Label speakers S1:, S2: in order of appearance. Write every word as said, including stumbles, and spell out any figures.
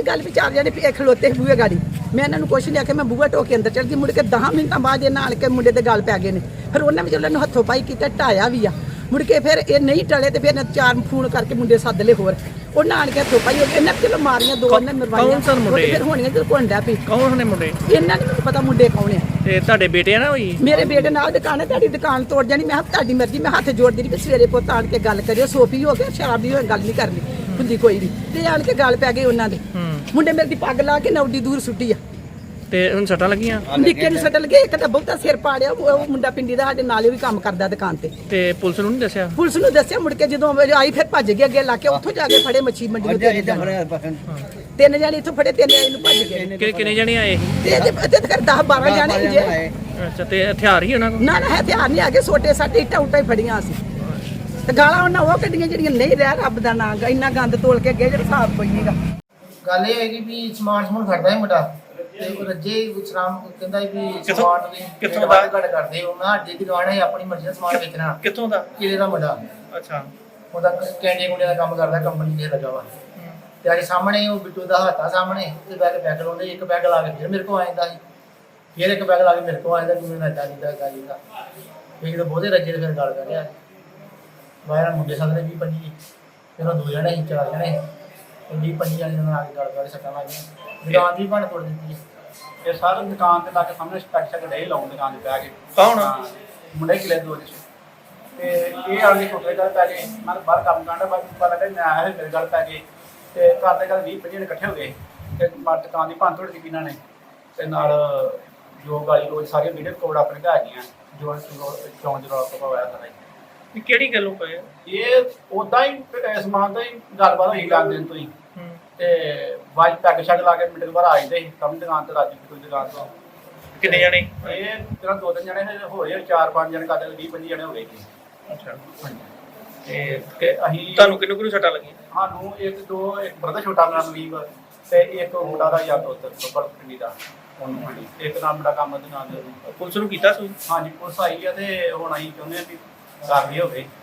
S1: ਗੱਲ ਵੀ ਚਾਰ ਜਣੇ ਇਹ ਖਲੋਤੇ ਬੂਹੇ ਗਾੜੀ ਮੈਂ ਇਹਨਾਂ ਨੂੰ ਕੁਛ ਨਹੀਂ ਆਖਿਆ ਮੈਂ ਬੂਹਾ ਢੋ ਕੇ ਅੰਦਰ ਚਲ ਗਈ ਮੁੜ ਕੇ ਦਸ ਮਿੰਟਾਂ ਬਾਅਦ ਇਹਨਾਂ ਆਣ ਕੇ ਮੁੰਡੇ ਦੇ ਗੱਲ ਪੈ ਗਏ ਨੇ ਫਿਰ ਉਹਨਾਂ ਵੀ ਜਦੋਂ ਹੱਥੋਂ ਪਾਈ ਕੀਤਾ ਢਾਇਆ ਵੀ ਆ ਮੁੜ ਕੇ ਫਿਰ ਇਹ ਨਹੀਂ ਟਲੇ ਤੇ ਫਿਰ ਚਾਰ ਫੋਨ ਕਰਕੇ ਮੁੰਡੇ ਸੱਦ ਲਏ ਹੋਰ ਉਹਨਾਂ ਆਣ ਕੇ ਹੱਥੋਂ ਪਾਈ ਇਹਨਾਂ ਚਲੋ ਮਾਰੀਆਂ ਦੋ ਉਹਨਾਂ ਮਰਵਾਈਆਂ ਫਿਰ ਹੋਣੀਆਂ ਜਦੋਂ ਘੁੰਡਾ ਪਈ
S2: ਕੌਣ ਨੇ ਮੁੰਡੇ
S1: ਇਹਨਾਂ ਨੂੰ ਮੈਨੂੰ ਪਤਾ ਮੁੰਡੇ ਕੌਣ ਆ
S2: ਤੇ ਤੁਹਾਡੇ ਬੇਟੇ ਆ ਨਾ ਹੋਈ
S1: ਮੇਰੇ ਬੇਟੇ ਨਾਲ ਦੁਕਾਨ ਹੈ ਤੁਹਾਡੀ ਦੁਕਾਨ ਤੋੜ ਜਾਣੀ ਮੈਂ ਕਿਹਾ ਤੁਹਾਡੀ ਮਰਜ਼ੀ ਮੈਂ ਹੱਥ ਜੋੜਦੀ ਰਹੀ ਵੀ ਸਵੇਰੇ ਪੁੱਤ ਆਣ ਕੇ ਗੱਲ ਕਰਿਓ ਸੋਫੀ ਹੋ ਗਿਆ ਸ਼ਰਾਬੀ ਹੋ ਗੱਲ ਨਹੀਂ ਕਰਨੀ ਹੁੰਦੀ ਕੋਈ ਵੀ ਤੇ ਆਣ ਕੇ ਗੱਲ ਪੈ ਗਈ ਉਹਨਾਂ ਦੇ ਮੁੰਡੇ ਮੇਰੇ ਦੀ ਪੱਗ ਲਾ ਕੇ ਨੌਡੀ ਦੂਰ ਸੁੱਟੀ ਆ
S2: ਤੇ ਹੁਣ ਸੱਟਾਂ ਲੱਗੀਆਂ
S1: ਨਿੱਕੇ ਨੂੰ ਸੱਟ ਲੱਗੇ ਇੱਕ ਤਾਂ ਬਹੁਤਾ ਸਿਰ ਪਾੜਿਆ ਉਹ ਮੁੰਡਾ ਪਿੰਡੀ ਦਾ ਸਾਡੇ ਨਾਲ ਹੀ ਵੀ ਕੰਮ ਕਰਦਾ ਦੁਕਾਨ ਤੇ
S2: ਤੇ ਪੁਲਿਸ ਨੂੰ ਨਹੀਂ ਦੱਸਿਆ
S1: ਪੁਲਿਸ ਨੂੰ ਦੱਸਿਆ ਮੁੜ ਕੇ ਜਦੋਂ ਆਈ ਫਿਰ ਭੱਜ ਗਏ ਅੱਗੇ ਲਾ ਕੇ ਉੱਥੋਂ ਜਾ ਕੇ ਫੜੇ ਮੱਛੀ ਮੰਡੀ ਨੂੰ ਤਿੰਨ ਜਣੇ ਇੱਥੋਂ ਫੜੇ ਤਿੰਨ ਜਣੇ ਨੂੰ ਭੱਜ ਗਏ
S2: ਕਿ ਕਿੰਨੇ ਜਣੇ ਆਏ
S1: ਤੇ ਇਹਦੇ ਤੇ ਕਰ ਦਸ ਬਾਰਾਂ ਜਣੇ ਜੇ
S2: ਅੱਛਾ ਤੇ ਹਥਿਆਰ ਹੀ ਉਹਨਾਂ ਕੋਲ
S1: ਨਾ ਨਾ ਹਥਿਆਰ ਨਹੀਂ ਆ ਗਏ ਛੋਟੇ ਸਾਡੇ ਇੱਟਾਂ ਉੱਟਾਂ ਹੀ ਫੜੀਆਂ ਸੀ ਤੇ ਗਾਲਾਂ ਉਹਨਾਂ ਉਹ ਕੱਢੀਆਂ ਜਿਹੜੀਆਂ ਨਹੀਂ ਰਹਿ ਰੱਬ ਦਾ ਨਾਂ ਇੰਨਾ ਗੰਦ ਤੋਲ ਕੇ ਗਏ ਜਿਹੜਾ ਹਿਸਾਬ ਕੋਈ ਨਹੀਂਗਾ
S3: ਗੱਲ ਇਹ ਹੈਗੀ ਵੀ ਸਮਾਨ ਸਮੂਨ ਖੜਦਾ ਹੈ ਮੁੰਡਾ ਤੇ ਉਹ ਰੱਜੇ ਵਿਚਰਾਮ ਕਹਿੰਦਾ ਵੀ ਸਮਾਨ ਦੀ
S2: ਕਿੱਥੋਂ ਦਾ
S3: ਘੜ ਕਰਦੇ ਉਹ ਨਾ ਅੱਡੇ ਦੀ ਦੁਕਾਨ ਹੈ ਆਪਣੀ ਮਰਜ਼ੀ ਦਾ ਸਮਾਨ ਵੇਚਣਾ
S2: ਕਿੱਥੋਂ ਦਾ
S3: ਕਿਲੇ ਦਾ ਮੁੰਡਾ
S2: ਅੱਛਾ
S3: ਉਹਦਾ ਕੈਂਡੇ ਕੁੰਡੇ ਦਾ ਕੰਮ ਕਰਦਾ ਕੰਪਨੀ ਤੇ ਲੱਗਾ ਵਾ ਤੇ ਅੱਜ ਸਾਹਮਣੇ ਉਹ ਬਿੱਟੂ ਦਾ ਹੱਥ ਆ ਸਾਹਮਣੇ ਤੇ ਬੈਗ ਬੈਗ ਲਾਉਂਦੇ ਇੱਕ ਬੈਗ ਲਾ ਕੇ ਫਿਰ ਮੇਰੇ ਕੋਲ ਆ ਜਾਂਦਾ ਸੀ ਫਿਰ ਇੱਕ ਬੈਗ ਲਾ ਕੇ ਮੇਰੇ ਕੋਲ ਆ ਜਾਂਦਾ ਕਿ ਮੈਂ ਨੱਚਾ ਜਿੱਦਾਂ ਗਾਲੀ ਦਾ ਇੱਕ ਤਾਂ ਬਹੁਤੇ ਰੱਜੇ ਤੇ ਫਿਰ ਗੱਲ ਕਰ ਰਿਹਾ ਬਾਹਰ ਮੁੰਡੇ ਸਾਹਮਣੇ ਵੀਹ ਪੰਜੀ ਫਿਰ ਉਹ ਦੋ ਜਣੇ ਸੀ ਚਾਰ ਜਣੇ ਵੀਹ ਪੰਜੀ ਜਣੇ ਨਾਲ ਆ ਕੇ ਗੱਲ ਕਰ ਸੱਟਾਂ ਲੱਗ ਦੁਕਾਨ ਦੀ ਭੰਨ ਤੋੜ ਦਿੱਤੀ
S4: ਇਹ ਸਾਰਾ ਦੁਕਾਨ ਤੇ ਲੱਗ ਸਾਹਮਣੇ ਸਪੈਕ ਸ਼ੈਕ ਡੇ ਲਾਉਣ ਦੁਕਾਨ ਤੇ ਬਹਿ ਕੇ
S2: ਕੌਣ
S4: ਮੁੰਡੇ ਕਿਲੇ ਦੋ ਚ ਤੇ ਇਹ ਆਲੇ ਛੋਟੇ ਗੱਲ ਪੈ ਗਏ ਮੈਂ ਬਾਹਰ ਕੰਮ ਕਰਦਾ ਬਾਅਦ ਪਤਾ ਲੱਗਾ ਮੈਂ ਆਇਆ ਸੀ ਮੇਰੇ ਗੱਲ ਪੈ ਗਏ ਤੇ ਘਰ ਦੇ ਗੱਲ ਵੀਹ ਪੰਜੀ ਜਣੇ ਇਕੱਠੇ ਹੋ ਗਏ ਤੇ ਮਾਰ ਦੁਕਾਨ ਦੀ ਭੰਨ ਤੋੜ ਕੀਤੀ ਇਹਨਾਂ ਨੇ ਤੇ ਨਾਲ ਜੋ ਗਾਲੀ ਰੋਜ਼ ਸਾਰੀਆਂ ਵੀਡੀਓ ਕੋਡ ਆਪਣੇ ਘਰ ਗਈਆਂ ਜੋ ਚੌਂਜ ਰੋਲ ਪਵਾਇਆ ਸਾਰਾ
S2: ਇਹ ਕਿਹੜੀ ਗੱਲੋਂ ਪਏ
S4: ਇਹ ਉਦਾਂ ਹੀ ਸਮਾਨ ਤੋਂ ਹੀ ਗੱਲਬਾਤ ਹੋਈ ਲੱਗ ਦਿਨ ਤੋਂ ਹੀ ਤੇ ਵਾਜ ਪੈਗ ਸ਼ੈਗ ਲਾ ਕੇ ਮਿੰਟ ਬਾਅਦ ਆ ਜਾਂਦੇ ਸੀ ਕੰਮ ਦੁਕਾਨ ਤੇ ਰਾਜੀ ਕੋਈ ਦੁਕਾਨ ਤੋਂ
S2: ਕਿੰਨੇ ਜਣੇ
S4: ਇਹ ਜਿਹੜਾ ਦੋ ਤਿੰਨ ਜਣੇ ਹੋਏ ਚਾਰ ਪੰਜ ਜਣੇ ਕਰਦੇ ਵੀਹ ਪੰਜੀ ਜਣੇ ਹੋ ਗਏ ਜੀ
S2: ਅੱਛਾ
S4: ਤੇ ਤੇ ਅਸੀਂ
S2: ਤੁਹਾਨੂੰ ਕਿੰਨੂੰ ਕਿੰਨੂੰ ਸੱਟਾਂ ਲੱਗੀਆਂ
S4: ਸਾਨੂੰ ਇੱਕ ਦੋ ਇੱਕ ਬਰਦਰ ਛੋਟਾ ਮੇਰਾ ਮਲੀਬ ਤੇ ਇੱਕ ਮੁੰਡਾ ਦਾ ਯਾਰ ਦੋਸਤ ਬੱਬਰ ਪਿੰਡੀ ਦਾ ਉਹਨੂੰ ਹਾਂਜੀ ਇੱਕ ਨਾਮ ਮੁੰਡਾ ਕੰਮ ਦੇ ਨਾਲ
S2: ਪੁਲਿਸ ਨੂੰ ਕੀਤਾ ਸੀ
S4: ਹਾਂਜੀ ਪੁਲਿਸ ਆਈ ਆ ਤੇ ਹੁਣ ਅਸੀਂ ਚਾਹੁੰਦੇ ਆ ਵੀ ਕਾਰਵਾਈ ਹੋਵੇ